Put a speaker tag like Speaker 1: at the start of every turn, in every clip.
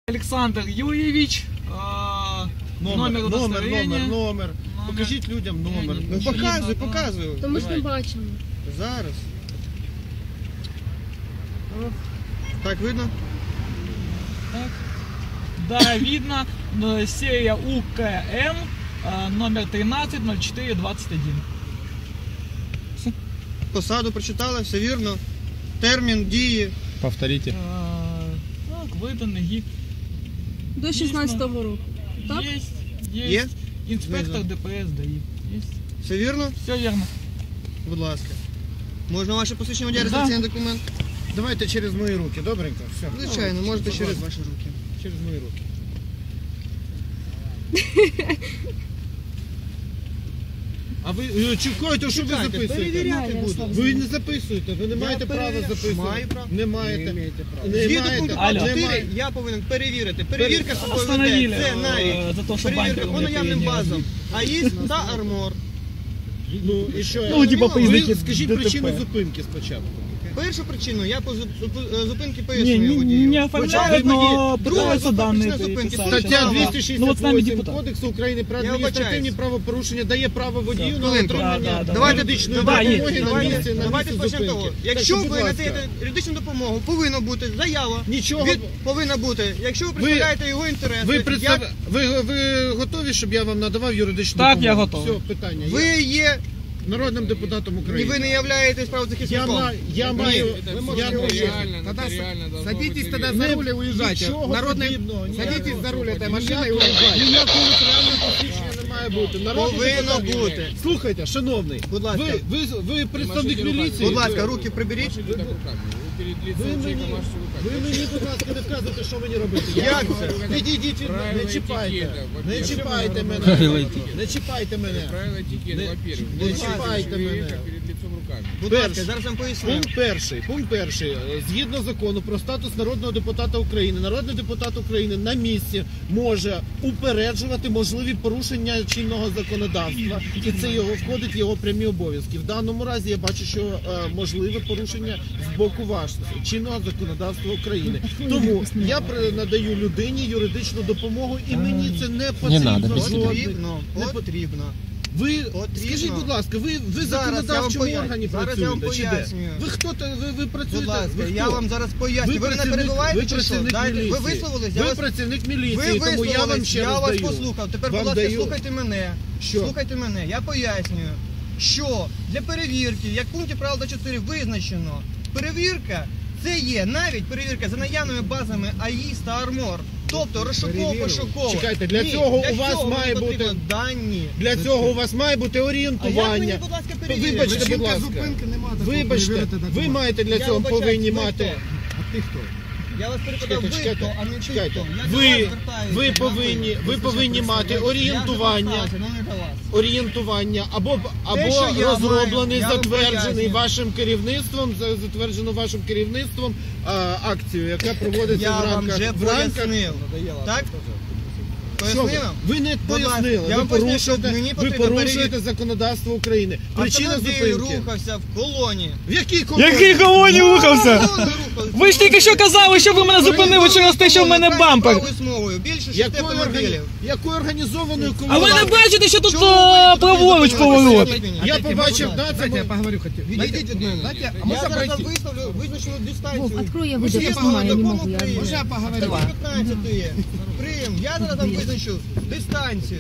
Speaker 1: Александр Юрьевич,
Speaker 2: номер. Покажіть людям номер. Ну, показую.
Speaker 3: То ми ж не бачимо.
Speaker 2: Зараз. Так, видно?
Speaker 1: Так. Да, видно. Серия УКМ, номер 130421.
Speaker 2: Посаду прочитали, все вірно. Термін дії.
Speaker 4: Повторите.
Speaker 1: Так, виданий гід.
Speaker 3: До 16-го року. Так?
Speaker 1: Є. Інспектор ДПС ДАІ.
Speaker 2: Все вірно?
Speaker 1: Все вірно.
Speaker 2: Будь ласка. Можна ваше посвідчення водія, реєстраційний документ?
Speaker 4: Давайте через мої руки, добренько? Все.
Speaker 2: Звичайно, можете через ваші руки.
Speaker 4: Через мої руки. А ви чекайте, що ви записуєте?
Speaker 2: Перевіряти буду.
Speaker 4: Ви не записуєте, ви не маєте права записувати.
Speaker 2: Маю право.
Speaker 4: Не маєте.
Speaker 2: Згідно пункту
Speaker 1: Алло.
Speaker 2: 4 я повинен перевірити. Перевірка собою
Speaker 1: Остановили,
Speaker 2: веде. Це навіть
Speaker 1: за то, що
Speaker 2: перевірка
Speaker 1: банкер
Speaker 2: по наявним базам. АІС та Армор.
Speaker 4: Ну і що?
Speaker 1: Ну, типа,
Speaker 4: Ви скажіть причину зупинки спочатку.
Speaker 2: Першу причину я по зупинки
Speaker 1: Не,
Speaker 2: пояснюю водію.
Speaker 1: не оформляют, но пытаются данные
Speaker 2: зупинки.
Speaker 1: писать.
Speaker 4: Стаття
Speaker 1: Ну, вот с нами
Speaker 4: 268
Speaker 1: депутат.
Speaker 4: Кодексу України про
Speaker 2: Я
Speaker 4: адміністративні
Speaker 2: вибачаюсь.
Speaker 4: правопорушення дає право водію на
Speaker 2: Хвилинку.
Speaker 4: отримання
Speaker 1: Давайте
Speaker 4: юридичної
Speaker 1: почнемо
Speaker 4: допомоги на місці
Speaker 2: почнемо
Speaker 4: зупинки.
Speaker 2: того.
Speaker 4: Так
Speaker 2: Якщо
Speaker 4: що, будь
Speaker 2: ви
Speaker 4: ласка,
Speaker 2: надаєте юридичну допомогу, повинна бути заява.
Speaker 4: Нічого.
Speaker 2: Повинна бути. Якщо ви представляєте його інтереси,
Speaker 4: ви готові, щоб я вам надавав юридичну
Speaker 1: Так,
Speaker 4: допомогу?
Speaker 1: я готовий.
Speaker 4: Все, питання.
Speaker 2: ви є,
Speaker 4: Народним депутатом
Speaker 2: і
Speaker 4: України.
Speaker 2: ви не являєтесь правозахисником.
Speaker 4: Я маю...
Speaker 5: Садитесь тогда за руль и уезжайте. Садитесь за руль этой машины и уезжайте.
Speaker 4: Ніякого нотаріального посвідчення не має бути.
Speaker 2: Повинно бути.
Speaker 4: Слухайте, шановний,
Speaker 2: Будь ласка.
Speaker 4: ви представник міліції?
Speaker 2: Будь ласка, руки приберіть.
Speaker 4: Ви мені, будь ласка, не вказуйте, що мені робити.
Speaker 2: Як це?
Speaker 4: Відійдіть від мене, не чіпайте. Не чіпайте мене. Не чіпайте мене. Не чіпайте мене.
Speaker 2: Будь ласка, зараз вам поясню.
Speaker 4: Пункт перший. Згідно закону про статус народного депутата України, народний депутат України на місці може упереджувати можливі порушення чинного законодавства. І це входить в його прямі обов'язки. В даному разі я бачу, що можливе порушення з боку вашого чинного законодавства України. Тому я надаю людині юридичну допомогу, і мені це не потрібно.
Speaker 2: Потрібно.
Speaker 4: Ви, скажіть, будь ласка, ви в законодавчому органі працюєте, чи де? Ви хто, ви працюєте?
Speaker 2: Будь ласка, я вам зараз поясню. Ви мене перебиваєте чи що? Ви висловились?
Speaker 4: Ви працівник міліції, тому я вам ще раз
Speaker 2: я вас
Speaker 4: даю.
Speaker 2: послухав. Тепер, будь ласка, слухайте мене. Слухайте мене. Я пояснюю, що для перевірки, як в пункті правил 4 визначено, перевірка це є навіть перевірка за наявними базами АІС та Армор. Тобто розшуково-пошуково.
Speaker 4: Чекайте, для цього у вас має бути
Speaker 2: дані.
Speaker 4: Для цього у вас має бути орієнтування.
Speaker 2: А як мені, будь ласка, перевірити?
Speaker 4: Вибачте, будь ласка. Вибачте, ви маєте для цього повинні мати.
Speaker 2: А ти хто? Я вас перепитав, ви хто, а не ти хто.
Speaker 4: Ви повинні мати орієнтування або розроблений, затверджений вашим керівництвом акцію, яка проводиться в рамках.
Speaker 2: Я вам вже пояснив. Так? Пояснив?
Speaker 4: Ви не пояснили, ви порушуєте законодавство України. Причина зупинки.
Speaker 2: Рухався в колоні.
Speaker 4: В якій колоні?
Speaker 1: Який колоні рухався? Ви ж тільки що казали, що ви мене зупинили через те, що в мене бампер.
Speaker 2: Більше 6 автомобілів.
Speaker 4: Якою організованою
Speaker 1: А
Speaker 4: колоною?
Speaker 1: ви не бачите, що тут праворуч поворот?
Speaker 4: Я побачив,
Speaker 5: Дайте я поговорю хотел.
Speaker 2: Відійдіть від мене.
Speaker 5: Дайте, а
Speaker 2: Я
Speaker 5: можно
Speaker 2: зараз
Speaker 5: пройти?
Speaker 2: виставлю визначену дистанцію.
Speaker 3: Открой, я
Speaker 2: Ви
Speaker 3: выйду,
Speaker 2: ж
Speaker 3: я
Speaker 2: є
Speaker 3: понимаю, я не
Speaker 2: закон
Speaker 3: могу. Я...
Speaker 2: України.
Speaker 5: Можно я поговорю?
Speaker 2: 15 є. Прийом. Я зараз там визначу дистанцію.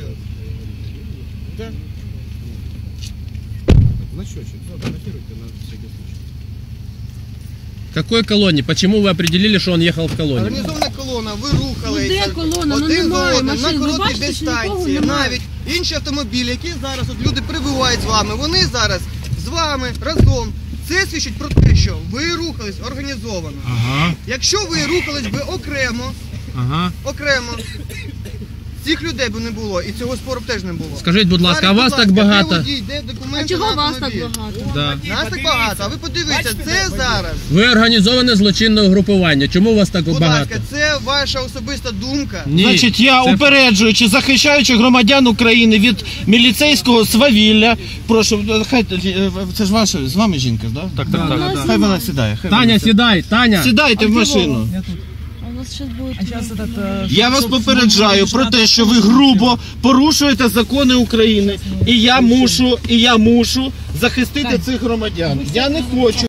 Speaker 4: Значочек, фотографируйте на всякий случай.
Speaker 6: Какой колонне? Почему вы определили, что он ехал в колонне?
Speaker 2: Організована колона, ви рухалися.
Speaker 3: Ну, де колона? Ну,
Speaker 2: один за
Speaker 3: немає
Speaker 2: одним,
Speaker 3: машин.
Speaker 2: на
Speaker 3: Ви
Speaker 2: короткій
Speaker 3: бачите, що нікого
Speaker 2: дистанції.
Speaker 3: немає?
Speaker 2: Навіть інші автомобілі, які зараз от люди прибувають з вами, вони зараз з вами разом. Це свідчить про те, що ви рухались організовано.
Speaker 6: Ага,
Speaker 2: Якщо ви рухались би окремо, цих людей би не було і цього спору б теж не було.
Speaker 6: Скажіть, будь ласка, а
Speaker 2: Зараз,
Speaker 6: вас
Speaker 2: будь
Speaker 6: так
Speaker 2: ласка,
Speaker 6: багато?
Speaker 2: де водій, де документи
Speaker 3: А чого
Speaker 2: на
Speaker 3: вас так
Speaker 2: автомобіль?
Speaker 3: багато?
Speaker 6: Да.
Speaker 2: Нас так багато, а ви подивіться, це зараз.
Speaker 6: Ви організоване злочинне угрупування. Чому вас так
Speaker 2: Будь
Speaker 6: багато?
Speaker 2: ласка, це ваша особиста думка.
Speaker 6: Ні,
Speaker 1: Значить, я
Speaker 6: це-
Speaker 1: упереджуючи, захищаючи громадян України від міліцейського свавілля, прошу, хай, це ж ваша, з вами жінка, да? Так,
Speaker 6: так.
Speaker 1: Хай вона сідає.
Speaker 6: Таня, сідай, Таня!
Speaker 1: Сідайте в машину.
Speaker 3: Вас зараз будуть...
Speaker 1: Я вас попереджаю про те, що ви грубо порушуєте закони України. І я мушу захистити цих громадян. Я не хочу.